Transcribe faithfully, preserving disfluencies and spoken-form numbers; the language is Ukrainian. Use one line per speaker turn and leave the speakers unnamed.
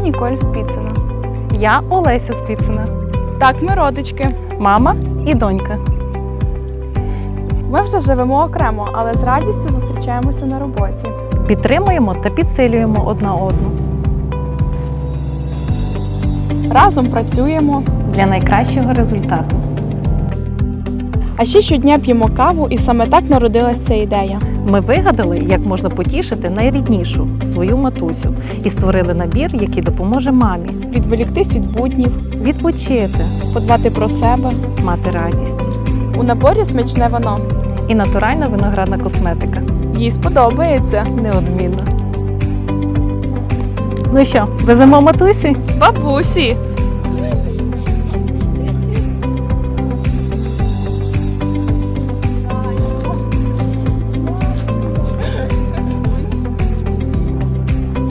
Ніколь Спіцина.
Я Олеся Спіцина.
Так, ми родички.
Мама і донька.
Ми вже живемо окремо, але з радістю зустрічаємося на роботі.
Підтримуємо та підсилюємо одна одну.
Разом працюємо,
Для найкращого результату.
а ще щодня п'ємо каву, і саме так народилась ця ідея.
Ми вигадали, як можна потішити найріднішу свою матусю і створили набір, який допоможе мамі
Відволіктись від буднів,
відпочити,
подбати про себе.
мати радість.
У наборі смачне вино.
І натуральна виноградна косметика.
Їй сподобається.
Неодмінно. Ну що, веземо матусі?
Бабусі!